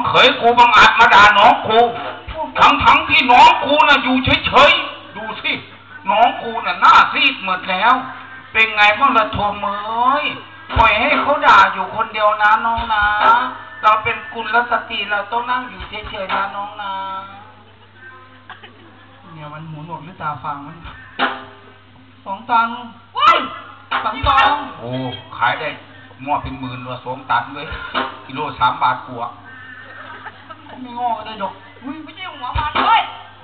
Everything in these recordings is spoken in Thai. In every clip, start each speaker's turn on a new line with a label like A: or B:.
A: เขยกูบังอาจมาด่าน้องกูทั้งที่น้องกูน่ะอยู่เฉยๆดูสิน้องกูน่ะหน้าซีดหมดแล้วเป็นไงบ้างละโทมเอ้ยปล่อยให้เขาด่าอยู่คนเดียวนะน้องนะเราเป็นกุลสตรีเราต้องนั่งอยู่เฉยๆนะน้องนะ
B: เนี่ยมันหูหนวกหรือตาฟังมัน2 ตันว้าย2 ตัน
A: โอ้ขายได้หม้อเป็นหมื่นว่า2 ตันเลยกิโล3 บาทกว่า
B: ไม่งอเลยดอก
C: อุ้ยไม่ใช่หัวมันเลย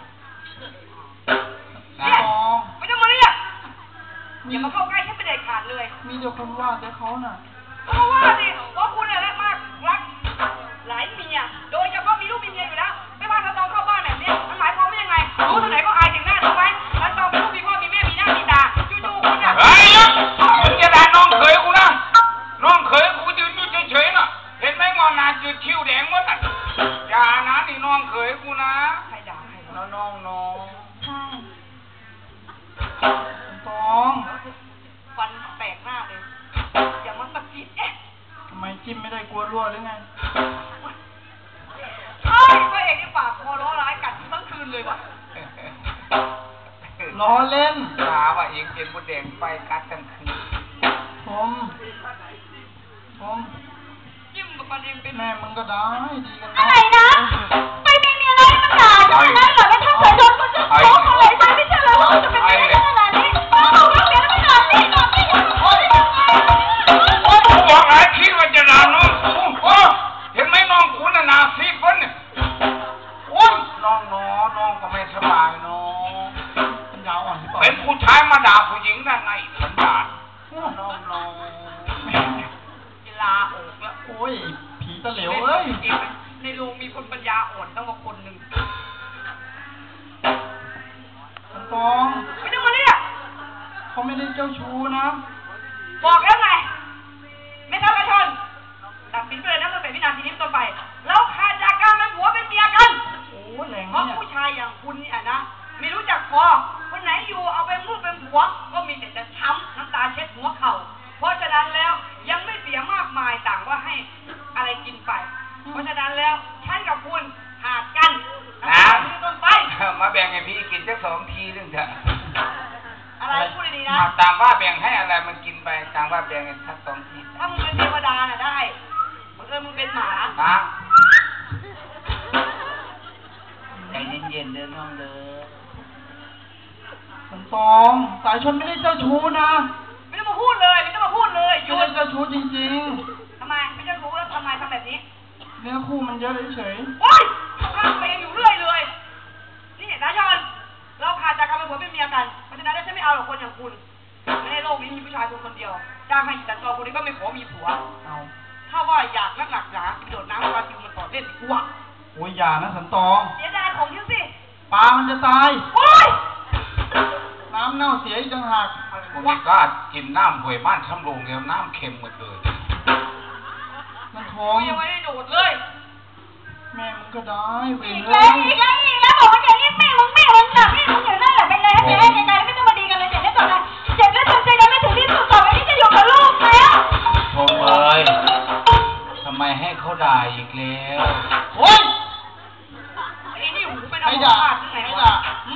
C: เนี่ยไม่ต้องมาเรียกอย่ามาเข้าใกล้ฉันเป็นเด็กขาดเลย
B: มีเดี๋ยวคนว่าแต่เขาน่ะ
C: เพราะว่าสิเพราะคุณเนี่ยรักมากรักหลายเมียโดยเฉพาะมีลูกมีเมียอยู่แล้วไม่ว่าถ้าตองเข้าบ้านแบบนี้มันหมายความว่ายังไงรู้ที่ไหนก็อายถึงหน้าถูกไหมแล้วตองเป็นลูกมีพ่อมีแม่มีหน้ามีตาจู่ๆคุณอ่ะ
A: เฮ้ยมึงจะด่าน้องเขยกูนะน้องเขยกูยืนอยู่เฉยๆน่ะเห็นไหมงอนหน้าจืดคิ้วแดงหมดอ่ะอย่านะนี่น้องเขยกูนะ
C: ใครด่าใคร
A: น้อง
C: ใช่
B: ตอง
C: ฟันแตกหน้าเลยอย่ามาสะกิด
B: ทำไมจิ้มไม่ได้กลัวรั่วหรือไง
C: ใช่พระเอกนี่ปากคอร้อร้ายกัดทั้งคืนเลยว่ะ
B: ล้อเล่น
A: ถาว่าเองเป็นผู้แดงไฟกัดทั้งคืน
B: ผม
C: จิ้มกับมันเองเป็น
B: แม่มึงก็ได้ดีกัน
D: อะไรนะไปมีอะไรมันด่าฉันนะเหรอไม่ทำสายโดนคนจะโกงอะไรฉันไม่เชื่อเลยว่าจะเป็นไปได้ขนาดนี้บอกว่าเสียไม่นานนี่นอนไม่หยุดโอ๊ย
A: บอกหลายทีว่าจะด่าน้องกูเห็นไหมน้องกูน่ะหน้าซีดคนเนี่ยโอ๊ยน้องก็ไม่สบายน้อง
B: ยาวอ่อน
A: เป็นผู้ชายมาด่าผู้หญิงได้ไงสันดานน้อง
C: เวลาออกแล้ว
B: โอ้ยผีตะเหลวเอ้ย
C: ในโรงมีคนปัญญาอ่อนตั้งว่าคนหนึ่ง
B: ตอง
C: ไม่ต้องมาเรียก
B: เขาไม่ได้เจ้าชู้นะ
C: บอกแล้วไงไม่ต้องกระชนตัดสินไปเลยนะตั้งแต่วินาทีนี้ต้นไปแล้วขาดจากการเป็นผัวเป็นเมียกัน
B: โอ้แรง
C: เพราะผู้ชายอย่างคุณเนี่ยนะไม่รู้จักพอคนไหนอยู่เอาเป็นลูกเป็นผัวก็มีแต่จะช้ำน้ำตาเช็ดหัวเข่าเพราะฉะนั้นแล้วยังไม่เสียมากมายต่างว่าให้อะไรกินไปเพราะฉะนั้นแล้วฉันกับคุณหาดกัน
A: นะ
C: ต้นไป
A: มาแบ่งให้พี่กินสัก2 ทีนึงเถอะ
C: อะไรพูดดีๆนะ
A: ตามว่าแบ่งให้อะไรมันกินไปตามว่าแบ่งกันสัก2 ที
C: ถ้ามึงเป็นเทวดาน่ะได้มึงเป็นหมา
A: ใจเย็นๆเด้อน้องเด้
B: อตองสายชนไม่ได้เจ้าชู้นะ
C: ไม่ต้องมาพูดเลยไม่ต้องมาพูดเลย
B: ไม่ได้เจ้าชู้จริง
C: ๆทำไมไม่เจ้าชู้แล้วทำไมทำแบบนี้
B: เนื้อคู่มันเยอะเฉย
C: โอ๊ยข้างไปอยู่เรื่อยเลยนี่นะชอนเราขาดจากการเป็นผัวเป็นเมียกันเพราะฉะนั้นฉันไม่เอาหรอกคนอย่างคุณในโลกนี้มีผู้ชายคนเดียวจ้างให้แต่ตัวคนนี้ก็ไม่ขอมีผัว
B: เอา
C: ถ้าว่าอยากนักหนักหนาโดดน้ำปลาซิวมันต่อเล่นดีกว่า
B: โอ้ยอย่านะสันตอง
C: เสียดายของฉันสิ
B: ปลามันจะตาย
C: โอ๊ย
B: น้ำเน่าเสียอีกต่างหาก
A: ผมไม่กล้ากินน้ำห่วยบ้านช้ำโรงเดียวน้ำเค็มหมดเลย
B: มันท้อง
C: ยังไม่ได้โดดเลย
B: แม่มึงก็ได้เว้ย
D: อีกแล้วบอกว่าอย่างนี้แม่มึงแบบแม่มึงอยู่นั่นแหละไปเลยไปให้ไกลๆไม่ต้องมาดีกันเลยเจ็บได้ต่อไปเจ็บแล้วทำใจกันไม่ถึงที่สุดต่อไปนี้จะอยู่กับลูกแล้ว
A: โถ่เอ้ยทำไมให้เขาด่าอีกแล้ว
B: โอ๊ย
C: ไอ้นี่หูเป็นอะไรบ้าที่ไหนวะ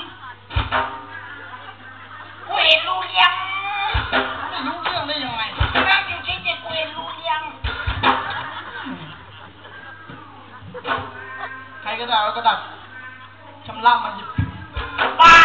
C: กูเห็นรู้ยัง
B: ไม่รู้เรื่องได้ยังไง
C: นั่งอยู่ที่เจ็บกูเห็นรู้ยัง
B: ใครก็ได้แล้วก็ดักชำระมันหยิบ
C: บ้า